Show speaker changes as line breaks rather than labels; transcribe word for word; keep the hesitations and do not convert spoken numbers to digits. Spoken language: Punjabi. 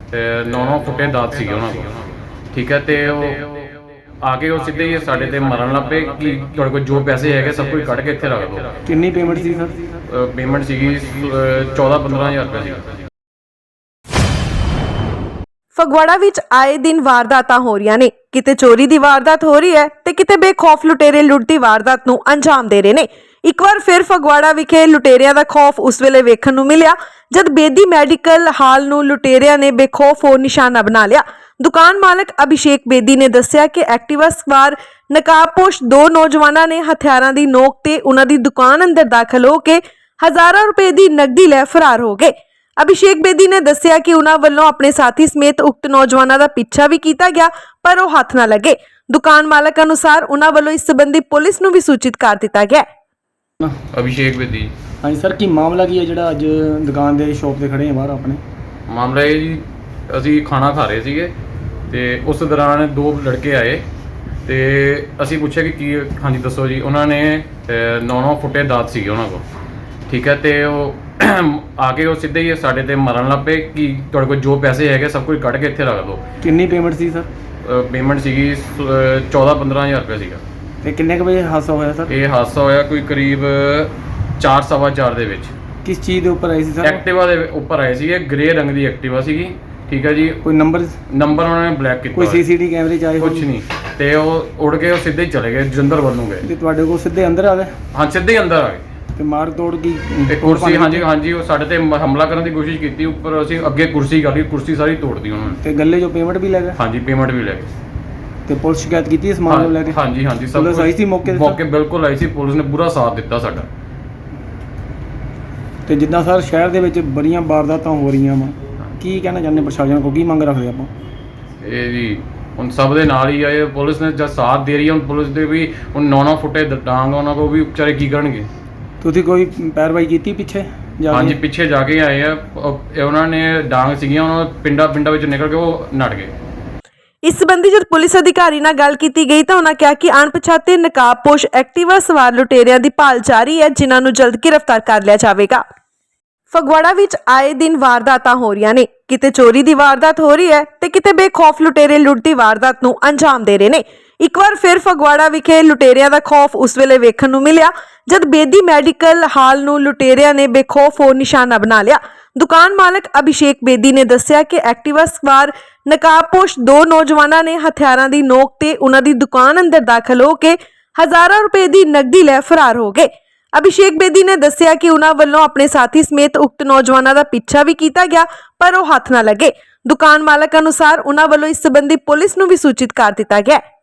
ਨੌ ਨੌ ਫੁੱਟੇ ਦਾਤ ਸੀਗੇ ਉਹਨਾਂ ਕੋਲ। ਠੀਕ ਹੈ, ਤੇ ਉਹ ਆ ਕੇ ਉਹ ਸਿੱਧੇ ਹੀ ਸਾਡੇ ਤੇ ਮਰਨ ਲੱਗ ਪਏ ਕਿ ਤੁਹਾਡੇ ਕੋਲ ਜੋ ਪੈਸੇ ਹੈਗੇ ਸਭ ਕੁਝ ਕੱਢ ਕੇ ਇੱਥੇ ਰੱਖ ਦਿਓ।
ਕਿੰਨੀ ਪੇਮੈਂਟ ਸੀ ਸਰ?
ਪੇਮੈਂਟ ਸੀਗੀ ਚੌਦਾਂ ਪੰਦਰਾਂ ਹਜ਼ਾਰ ਰੁਪਏ ਸੀ।
ਫਗਵਾੜਾ ਵਿੱਚ ਆਏ ਦਿਨ ਵਾਰਦਾਤਾਂ ਹੋ ਰਹੀਆਂ ਨੇ। ਕਿਤੇ ਚੋਰੀ ਦੀ ਵਾਰਦਾਤ ਹੋ ਰਹੀ ਹੈ ਤੇ ਕਿਤੇ ਬੇਖੌਫ ਲੁਟੇਰੇ ਲੁੱਟ ਦੀ ਵਾਰਦਾਤ ਨੂੰ ਅੰਜਾਮ ਦੇ ਰਹੇ ਨੇ। ਇੱਕ ਵਾਰ ਫਿਰ ਫਗਵਾੜਾ ਵਿਖੇ ਲੁਟੇਰਿਆਂ ਦਾ ਖੌਫ ਉਸ ਵੇਲੇ ਵੇਖਣ ਨੂੰ ਮਿਲਿਆ ਜਦ ਬੇਦੀ ਮੈਡੀਕਲ ਹਾਲ ਨੂੰ ਲੁਟੇਰਿਆਂ ਨੇ ਬੇਖੌਫ ਹੋ ਨਿਸ਼ਾਨਾ ਬਣਾ ਲਿਆ। ਦੁਕਾਨ ਮਾਲਕ ਅਭਿਸ਼ੇਕ ਬੇਦੀ ਨੇ ਦੱਸਿਆ ਕਿ ਐਕਟਿਵਾ ਸਵਾਰ ਨਕਾਬਪੋਸ਼ ਦੋ ਨੌਜਵਾਨਾਂ ਨੇ ਹਥਿਆਰਾਂ ਦੀ ਨੋਕ ਤੇ ਉਹਨਾਂ ਦੀ ਦੁਕਾਨ ਅੰਦਰ ਦਾਖਲ ਹੋ ਕੇ ਹਜ਼ਾਰਾਂ ਰੁਪਏ ਦੀ ਨਕਦੀ ਲੈ ਫਰਾਰ ਹੋ ਗਏ। ਅਭਿਸ਼ੇਕ ਬੇਦੀ ਨੇ ਦੱਸਿਆ ਕਿ ਉਹਨਾਂ ਵੱਲੋਂ ਆਪਣੇ ਸਾਥੀ ਸਮੇਤ ਉਕਤ ਨੌਜਵਾਨਾਂ ਦਾ ਪਿੱਛਾ ਵੀ ਕੀਤਾ ਗਿਆ ਪਰ ਉਹ ਹੱਥ ਨਾ ਲੱਗੇ। ਦੁਕਾਨ ਮਾਲਕ ਅਨੁਸਾਰ ਉਹਨਾਂ ਵੱਲੋਂ ਇਸ ਸੰਬੰਧੀ ਪੁਲਿਸ ਨੂੰ ਵੀ ਸੂਚਿਤ ਕਰ ਦਿੱਤਾ ਗਿਆ।
ਅਭਿਸ਼ੇਕ ਬੇਦੀ।
ਹਾਂਜੀ ਸਰ, ਕੀ ਮਾਮਲਾ ਕੀ ਹੈ ਜਿਹੜਾ ਅੱਜ ਦੁਕਾਨ ਦੇ ਸ਼ਾਪ ਤੇ ਖੜੇ ਆ ਬਾਹਰ ਆਪਣੇ?
ਮਾਮਲਾ ਇਹ ਜੀ, ਅਸੀਂ ਖਾਣਾ ਖਾ ਰਹੇ ਸੀਗੇ ਤੇ ਉਸ ਦੌਰਾਨ ਦੋ ਲੜਕੇ ਆਏ ਤੇ ਅਸੀਂ ਪੁੱਛਿਆ ਕਿ ਕੀ ਹਾਂਜੀ ਦੱਸੋ ਜੀ। ਉਹਨਾਂ ਨੇ ਨੌ ਨੌ ਫੁੱਟੇ ਦਾਤ ਸੀਗੇ ਉਹਨਾਂ ਕੋਲ। ਠੀਕ ਹੈ, ਤੇ ਉਹ ਆ ਕੇ ਉਹ ਸਿੱਧੇ ਹੀ ਸਾਡੇ ਤੇ ਮਰਨ ਲੱਗ ਪਏ ਕਿ ਤੁਹਾਡੇ ਕੋਲ ਜੋ ਪੈਸੇ ਹੈਗੇ ਸਭ ਕੁਝ ਕੱਢ ਕੇ ਇੱਥੇ ਰੱਖ ਦਿਓ।
ਕਿੰਨੀ ਪੇਮੈਂਟ ਸੀ ਸਰ?
ਪੇਮੈਂਟ ਸੀਗੀ ਚੌਦਾਂ ਪੰਦਰਾਂ ਹਜ਼ਾਰ ਰੁਪਏ ਸੀਗਾ।
ਤੇ ਕਿੰਨੇ ਕੁ ਵਜੇ ਹਾਦਸਾ ਹੋਇਆ ਸਰ?
ਇਹ ਹਾਦਸਾ ਹੋਇਆ ਕੋਈ ਕਰੀਬ ਚਾਰ ਸਵਾ ਚਾਰ ਦੇ ਵਿੱਚ।
ਕਿਸ ਚੀਜ਼ ਦੇ ਉੱਪਰ ਆਈ ਸੀ ਸਰ?
ਐਕਟਿਵਾ ਦੇ ਉੱਪਰ ਆਏ ਸੀਗੇ, ਗ੍ਰੇ ਰੰਗ ਦੀ ਐਕਟਿਵਾ ਸੀਗੀ। ਠੀਕ ਹੈ ਜੀ।
ਕੋਈ ਨੰਬਰ
ਨੰਬਰ ਉਹਨਾਂ ਨੇ ਬਲੈਕ ਕੀਤਾ,
ਕੋਈ ਸੀਸੀਟੀਵੀ ਕੈਮਰੇ ਚ ਆਏ?
ਕੁਝ ਨਹੀਂ। ਤੇ ਉਹ ਉੜ ਕੇ ਉਹ ਸਿੱਧੇ ਹੀ ਚਲੇ ਗਏ, ਜਲੰਧਰ ਵੱਲ ਨੂੰ ਗਏ।
ਤੇ ਤੁਹਾਡੇ ਕੋਲ ਸਿੱਧੇ ਅੰਦਰ ਆ ਗਏ?
ਹਾਂ, ਸਿੱਧੇ ਹੀ ਅੰਦਰ ਆ ਗਏ।
ਤੇ ਮਾਰ ਤੋੜ ਕੀ?
ਇੱਕ ਕੁਰਸੀ, ਹਾਂਜੀ ਹਾਂਜੀ, ਉਹ ਸਾਡੇ ਤੇ ਹਮਲਾ ਕਰਨ ਦੀ ਕੋਸ਼ਿਸ਼ ਕੀਤੀ ਉੱਪਰ। ਅਸੀਂ ਅੱਗੇ ਕੁਰਸੀ ਕਰ ਲਈ, ਕੁਰਸੀ ਸਾਰੀ ਤੋੜਦੀ ਉਹਨਾਂ ਨੇ।
ਤੇ ਗੱਲੇ ਜੋ ਪੇਮੈਂਟ ਵੀ ਲੈ ਗਏ?
ਹਾਂਜੀ, ਪੇਮੈਂਟ ਵੀ ਲੈ ਗਏ।
ਤੇ ਪੁਲਿਸ ਸ਼ਿਕਾਇਤ ਕੀਤੀ ਇਸ ਮਾਮਲੇ ਨੂੰ ਲੈ ਕੇ?
ਹਾਂਜੀ ਹਾਂਜੀ, ਸਭ
ਪੁਲਿਸ ਆਈ ਸੀ ਮੌਕੇ ਤੇ?
ਮੌਕੇ ਬਿਲਕੁਲ ਆਈ ਸੀ, ਪੁਲਿਸ ਨੇ ਪੂਰਾ ਸਾਥ ਦਿੱਤਾ ਸਾਡਾ।
ਤੇ ਜਿੱਦਾਂ ਸਰ ਸ਼ਹਿਰ ਦੇ ਵਿੱਚ ਬੜੀਆਂ ਵਾਰਦਾਤਾਂ ਹੋ ਰਹੀਆਂ ਵਾ, ਕੀ ਕਹਿਣਾ ਚਾਹੁੰਦੇ ਪ੍ਰਸ਼ਾਸਨ ਕੋਲ, ਕੀ ਮੰਗ ਰੱਖਦੇ ਆਪਾਂ?
ਇਹ ਜੀ ਹੁਣ ਸਭ ਦੇ ਨਾਲ ਹੀ ਆਏ, ਪੁਲਿਸ ਨੇ ਜਦ ਸਾਥ ਦੇ ਰਹੀ ਹੈ। ਹੁਣ ਪੁਲਿਸ ਦੇ ਵੀ ਹੁਣ ਨੌ ਨੌ ਫੁੱਟੇ ਡਾਂਗ ਉਹਨਾਂ ਕੋਲ ਵੀ ਵਿਚਾਰੇ ਕੀ ਕਰਨਗੇ।
ਤੁਸੀਂ ਕੋਈ ਪੈਰਵਾਈ ਕੀਤੀ ਪਿੱਛੇ ਜਾ ਕੇ?
ਹਾਂਜੀ, ਪਿੱਛੇ ਜਾ ਕੇ ਆਏ ਆ। ਉਹ- ਉਹਨਾਂ ਨੇ ਡਾਂਗ ਸੀਗੀਆਂ, ਉਹਨਾਂ ਪਿੰਡਾਂ ਪਿੰਡਾਂ ਵਿੱਚ ਨਿਕਲ ਕੇ ਉਹ ਨੱਠ ਗਏ।
ਇਸ ਸੰਬੰਧੀ ਜਦ ਪੁਲਿਸ ਅਧਿਕਾਰੀ ਨਾਲ ਗੱਲ ਕੀਤੀ ਗਈ ਤਾਂ ਉਹਨਾਂ ਕਿਹਾ ਕਿ ਅਣਪਛਾਤੇ ਨਕਾਬਪੋਸ਼ ਐਕਟਿਵਾ ਸਵਾਰ ਲੁਟੇਰਿਆਂ ਦੀ ਭਾਲ ਜਾਰੀ ਹੈ, ਜਿਨ੍ਹਾਂ ਨੂੰ ਜਲਦ ਗ੍ਰਿਫਤਾਰ ਕਰ ਲਿਆ ਜਾਵੇਗਾ। ਫਗਵਾੜਾ ਵਿੱਚ ਆਏ ਦਿਨ ਵਾਰਦਾਤਾਂ ਹੋ ਰਹੀਆਂ ਨੇ। ਕਿਤੇ ਚੋਰੀ ਦੀ ਵਾਰਦਾਤ ਹੋ ਰਹੀ ਹੈ ਤੇ ਕਿਤੇ ਬੇਖੌਫ ਲੁਟੇਰੇ ਲੁੱਟ ਦੀ ਵਾਰਦਾਤ ਨੂੰ ਅੰਜਾਮ ਦੇ ਰਹੇ ਨੇ। ਇੱਕ ਵਾਰ ਫਿਰ ਫਗਵਾੜਾ ਵਿਖੇ ਲੁਟੇਰਿਆਂ ਦਾ ਖੌਫ ਉਸ ਵੇਲੇ ਵੇਖਣ ਨੂੰ ਮਿਲਿਆ ਜਦ ਬੇਦੀ ਮੈਡੀਕਲ ਹਾਲ ਨੂੰ ਲੁਟੇਰਿਆਂ ਨੇ ਬੇਖੌਫ ਹੋ ਨਿਸ਼ਾਨਾ ਬਣਾ ਲਿਆ। ਦੁਕਾਨ ਮਾਲਕ ਅਭਿਸ਼ੇਕ ਬੇਦੀ ਨੇ ਦੱਸਿਆ ਕਿ ਐਕਟਿਵਾ ਸਵਾਰ ਨਕਾਬਪੋਸ਼ ਦੋ ਨੌਜਵਾਨਾਂ ਨੇ ਹਥਿਆਰਾਂ ਦੀ ਨੋਕ ਤੇ ਉਹਨਾਂ ਦੀ ਦੁਕਾਨ ਅੰਦਰ ਦਾਖਲ ਹੋ ਕੇ ਹਜ਼ਾਰਾਂ ਰੁਪਏ ਦੀ ਨਕਦੀ ਲੈ ਫਰਾਰ ਹੋ ਗਏ। ਅਭਿਸ਼ੇਕ ਬੇਦੀ ਨੇ ਦੱਸਿਆ ਕਿ ਉਹਨਾਂ ਵੱਲੋਂ ਆਪਣੇ ਸਾਥੀ ਸਮੇਤ ਉਕਤ ਨੌਜਵਾਨਾਂ ਦਾ ਪਿੱਛਾ ਵੀ ਕੀਤਾ ਗਿਆ ਪਰ ਉਹ ਹੱਥ ਨਾ ਲੱਗੇ। ਦੁਕਾਨ ਮਾਲਕ ਅਨੁਸਾਰ ਉਹਨਾਂ ਵੱਲੋਂ ਇਸ ਸੰਬੰਧੀ ਪੁਲਿਸ ਨੂੰ ਵੀ ਸੂਚਿਤ ਕਰ ਦਿੱਤਾ ਗਿਆ।